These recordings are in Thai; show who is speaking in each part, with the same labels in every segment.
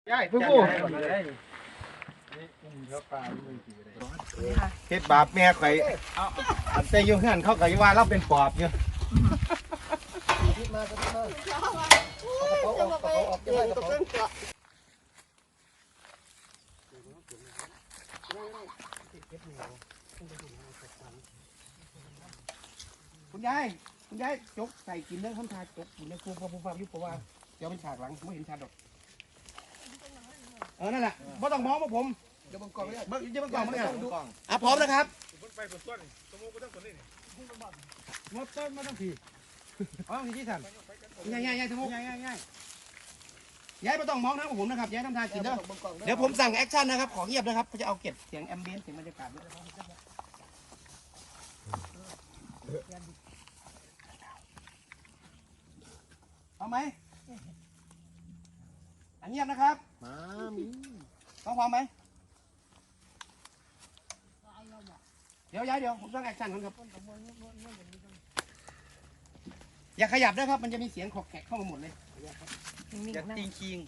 Speaker 1: ใช่ผู้ผู้เฮ็ดบาปแม่ข่อยอันแต่อยู่เฮือนเขาก็ว่าเราเป็นปอบอยู่คุณยายจกใส่กินเรื่องคำทาจกกินเรื่องครูพ่อผู้ฟังยุบเพราะว่าเดี๋ยวเป็นฉากหลังไม่เห็นฉากดอกนั่นแหละไม่ต้องมองว่าผมเดี๋ยวบังกล้องไม่ได้เดี๋ยวบังกล้องไม่ได้พร้อมนะครับไปบนต้นสมมติก็ต้องต้นนี่มดต้นมาต้องผีมีที่สั่นง่ายสมมติง่ายย้ายไม่ต้องมองนะผมนะครับย้ายทำทางกินเด้อเดี๋ยวผมสั่งแอคชั่นนะครับขอเงียบนะครับเขาจะเอาเก็บเสียงแอมเบียนเสียงบรรยากาศด้วยเอาไหมเงียบนะครับต้องพร้อมไหมเดี๋ยวผมสั่งแอคชั่นก่อนครับอย่าขยับด้วยครับมันจะมีเสียงขอกแขกเข้ามาหมดเลยอย่าติงคิง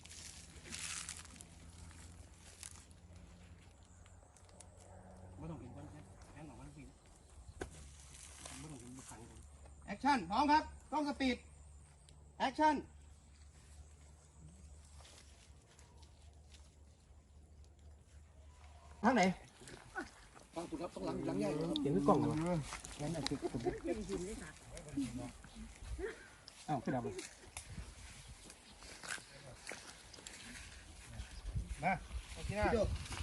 Speaker 1: ไม่ต้องเห็นคนแค่หนอกมันฟินไม่ต้องเห็นบุคคลแอคชั่นพร้อมครับกล้องสปีดแอคชั่นทางไหนฟังคุณครับต้องหลังใหญ่เห็นกล้องเหรอนั่นน่ะคืออ้าวขึ้นดับเลยมาโอเคนะ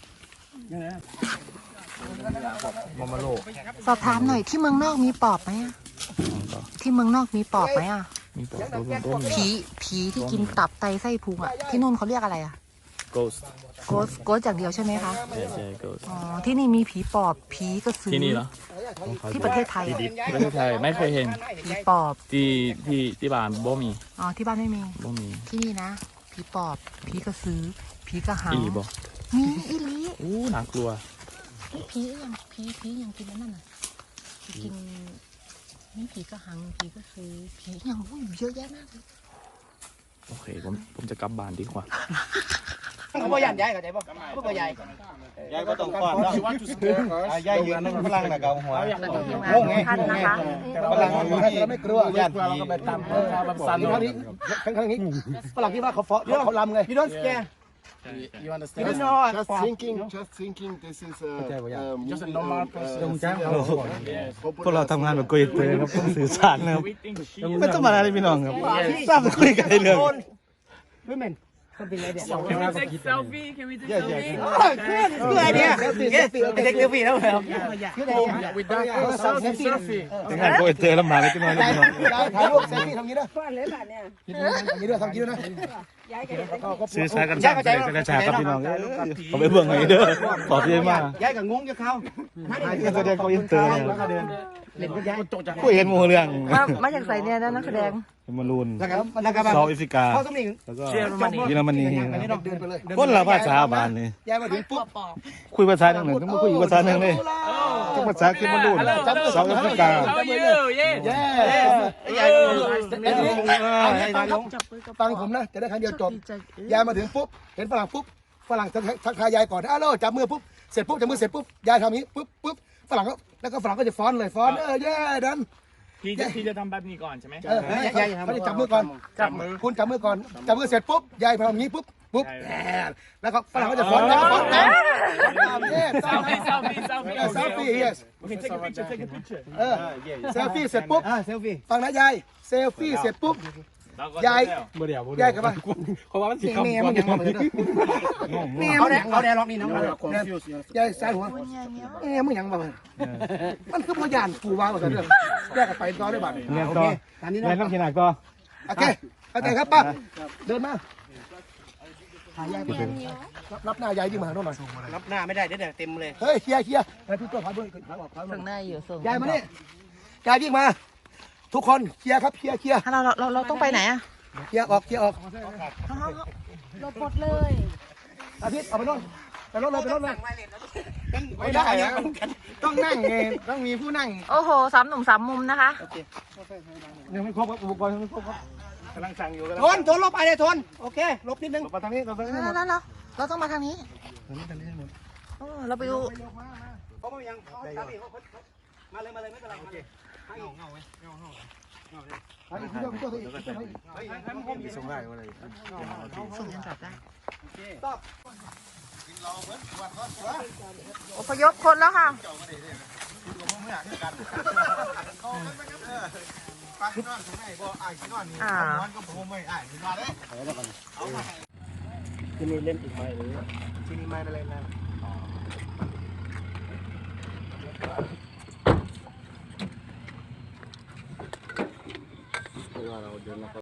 Speaker 1: มาโล
Speaker 2: สอบถามหน่อยที่เมืองนอกมีปอบไหมอะที่เมืองนอกมีปอบไหมอะ
Speaker 3: มีปอบต้น
Speaker 2: ผีที่กินตับไตไส้พุงอะที่นู่นเขาเรียกอะไรอะ
Speaker 3: ghost
Speaker 2: โกสอย่างเดียวใช่ไหมคะ
Speaker 3: ใช่ ghost
Speaker 2: อ๋อที่นี่มีผีปอบผีกระสือ
Speaker 3: ที่นี่เหรอ
Speaker 2: ที่ประเทศไทย
Speaker 3: ประเทศไทยไม่เคยเห็น
Speaker 2: ผีปอบ
Speaker 3: ที่บ้านบ่มี
Speaker 2: อ๋อที่บ้านไม่มี
Speaker 3: บ่มี
Speaker 2: ที่นี่นะผีปอบผีกระสือผีกระหัง
Speaker 3: อีบ่
Speaker 2: มีอีหลี
Speaker 3: อู้น่ากลัว
Speaker 2: ผียังกินนั่นน่ะกินนี่ผีกระหังผีกระสือผียังเยอะแยะมากเลย
Speaker 3: โอเคผมจะกลับบ้านดีกว่า
Speaker 1: เขาบอกย้ายเข้าใจป่ะเขาบอกย้ายก็ต้องก่อนเนาะย้ายยืนนั่งพลังนะเกาหัวงงไงพลังไม่กลัวญาติผีสั่นครั้งนี้ฝรั่งที่ว่าเขาเฟาะเขาลำไงพี่โดนแกYou understand?
Speaker 4: Just thinking, this is
Speaker 1: just a normal person.
Speaker 5: พวกเราทำงานแบบโกยเตอร์ครับต้องสื่อสารนะครับไม่ต้องมาอะไรพี่น้องครับทราบจะคุยกันเรื่อง
Speaker 1: Women, something like that.
Speaker 6: Can we take selfie? Can we take selfie?
Speaker 1: Good idea. Take selfie แล้วเหรอ
Speaker 6: With that, selfie.
Speaker 5: ทำงานโกยเตอร์ลำบากเลยพี่น้อง
Speaker 1: ถ่ายรูปเซลฟี่ทำงี้นะทำงี้ด้วยทำงี้ด้วยนะ
Speaker 5: สื่อสารกันสร้างใจกระชากครับพี่น้องเขาไปเบื้องไหนเด้อขอที่มาก
Speaker 1: ย้ายกับงงจะเข้า
Speaker 5: แสดงโกยเตอร์
Speaker 1: เล่นก็ย้าย
Speaker 5: คุยเห็นหมู่เรื่อง
Speaker 2: มาจากใส่เนี่ยนะนักแสดง
Speaker 5: มารูน
Speaker 1: แล้วก็
Speaker 5: เซาท์แอฟริกา
Speaker 1: เขาต้องมี
Speaker 5: แล้วก็เยอรมนี
Speaker 1: เดินไปเลย
Speaker 5: คนละภาษาบ้านนี่
Speaker 1: ย้ายมาถึงปุ๊บ
Speaker 5: คุยภาษาหนึ่งต้องมาคุยภาษาหนึ่งเลยทุกภาษาคือมารูนเซาท์แอฟริกา
Speaker 6: How are you? Yeah.
Speaker 1: ฟังผมนะจะได้ครั้งเดียวจบย้ายมาถึงปุ๊บเห็นฝรั่งปุ๊บฝรั่งทักทายยายก่อนอ้าวจับมือปุ๊บเสร็จปุ๊บจับมือเสร็จปุ๊บยายทำนี้ปุ๊บฝรั่งก็แล้วก็ฝรั่งก็จะฟ้อนเลยฟ้อนเย่ดัน
Speaker 6: พี่จะทำแบบนี้ก่อนใช่ไหม
Speaker 1: ยายเขาจะจับมือก่อนคุณจับมือก่อนจับมือเสร็จปุ๊บยายทำอย่างนี้ปุ๊บแล้วก็ฝรั่งก็จะฟ้อนแล้วก็ฟ้อนselfie yes
Speaker 6: Okay, take a picture.
Speaker 1: เซลฟี่เสร็จปุ๊บฟังนะยายเซลฟี่เสร็จปุ๊บยายกับว่าเพราะว่ามันสีคำมันยังมาเลยเขาแดงล็อกนี่น้องยายสายหัวมึงยังมามันคือพยานกูว่าเรื่องแยกกันไปต่อได้บ้าง
Speaker 5: เรียนต่อเรียนต้องขีหนักต่อ
Speaker 1: โอเคเข้าใจครับป้าเดินมารับหน้ายายยิ่งมาหน่อยรับหน้าไม่ได้เดี๋ยวเต็มเลยเฮ้ยเคลียร์ให้พี่ตัวพาด้วย
Speaker 2: ส่งหน้าอยู่ส่ง
Speaker 1: ยายมาเนี่ยยายยิ่งมาทุกคนเคลียร์ครับเคลียร์
Speaker 2: เราต้องไปไหนอะ
Speaker 1: เคลียร์ออก
Speaker 2: เราปลดเลย
Speaker 1: อาทิตย์เอาไปโน่นไปรถเลยไม่ได้ต้องนั่งไงต้องมีผู้นั่ง
Speaker 2: โอ้โห3 หนุ่ม 3 มุมนะคะ
Speaker 1: ยังไม่ครบครับอุปกรณ์ยังไม่ครบครับ
Speaker 6: กำลังสั่งอยู่
Speaker 1: ทนลบไปเลยทนโอเคลบนิดนึง
Speaker 6: มาทางนี้เราทางนี้
Speaker 2: แล้วเราต้องมาทางนี้เราไปดู
Speaker 1: เขาไม่ยังเขาทำอีกมาเลยไม่เป็นไรโอเคเงาไหมเงาส่งได้ว่าอะไร
Speaker 2: ส่งยันจับได้
Speaker 1: ตอบ
Speaker 2: อพยพคนแล้วค่ะ
Speaker 1: ปลาขี้นอนส่งได้บ่อ้ายขี้นอนนี่นอนก็ผมไม่อ้ายขี้นอนเลยเอามา
Speaker 6: ที่นี่เล่นอีกไหมหรือ
Speaker 1: ที่นี่ไม่อะไรนะ